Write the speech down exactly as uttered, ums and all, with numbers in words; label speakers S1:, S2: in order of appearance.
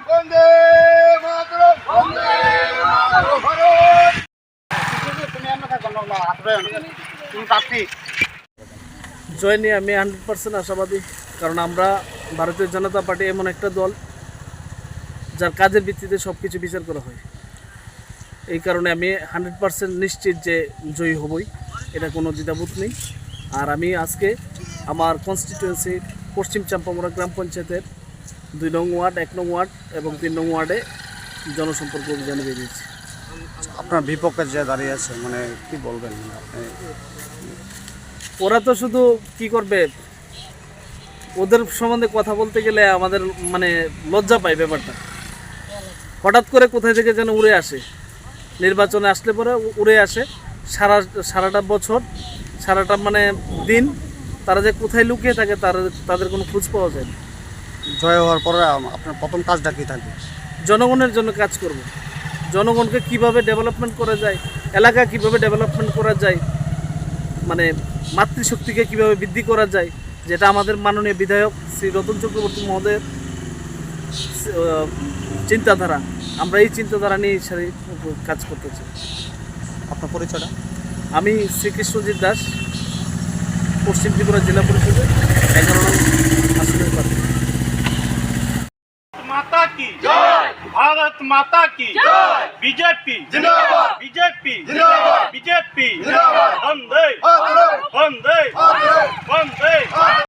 S1: বন্দে মাতরম বন্দে মাতরম ভারত তুমি আমরা গণনা আসবে তুমি প্রার্থী
S2: জয় নিয়ে আমি হান্ড্রেড পার্সেন্ট আশাবাদী, কারণ আমরা ভারতীয় জনতা পার্টি এমন একটা দল যার কাজের ভিত্তিতে সব কিছু বিচার করা হয়। এই কারণে আমি হান্ড্রেড পার্সেন্ট নিশ্চিত যে জয়ী হবই, এটা কোনো দ্বিধাবোধ নেই। আর আমি আজকে আমার কনস্টিটিউয়েন্সি পশ্চিম চাম্পামুড়া গ্রাম পঞ্চায়েতের দুই নং ওয়ার্ড, এক নং ওয়ার্ড এবং তিন নং ওয়ার্ডে জনসম্পর্ক অভিযানে বেরিয়েছি।
S3: আপনার বিপক্ষে যে দাঁড়িয়ে আছে, মানে কি বলবেন আপনি?
S2: ওরা তো শুধু কি করবে, ওদের সম্বন্ধে কথা বলতে গেলে আমাদের মানে লজ্জা পায় ব্যাপারটা। হঠাৎ করে কোথায় থেকে যেন উড়ে আসে, নির্বাচনে আসলে পরে উড়ে আসে। সারা সারাটা বছর সারাটা মানে দিন তারা যে কোথায় লুকিয়ে থাকে তার তাদের কোনো খোঁজ পাওয়া যায় না।
S3: জয় হওয়ার পরে আপনার প্রথম কাজটা কী থাকবে?
S2: জনগণের জন্য কাজ করব। জনগণকে কিভাবে ডেভেলপমেন্ট করা যায়, এলাকা কিভাবে ডেভেলপমেন্ট করা যায়, মানে মাতৃশক্তিকে কিভাবে বৃদ্ধি করা যায়, যেটা আমাদের মাননীয় বিধায়ক শ্রী রতন চক্রবর্তী মহোদয়ের চিন্তাধারা, আমরা এই চিন্তাধারা নিয়ে সারি কাজ করতে চাই।
S3: আপনার পরিচয়টা?
S2: আমি শ্রীকৃষ্ণজিৎ দাস, পশ্চিম ত্রিপুরা জেলা পরিষদের এগারো নং আসনের প্রার্থী।
S4: माता की जय, भारत माता की जय, बीजेपी जिंदाबाद, बीजेपी जिंदाबाद, बीजेपी जिंदाबाद, वंदे मातरम, वंदे मातरम, वंदे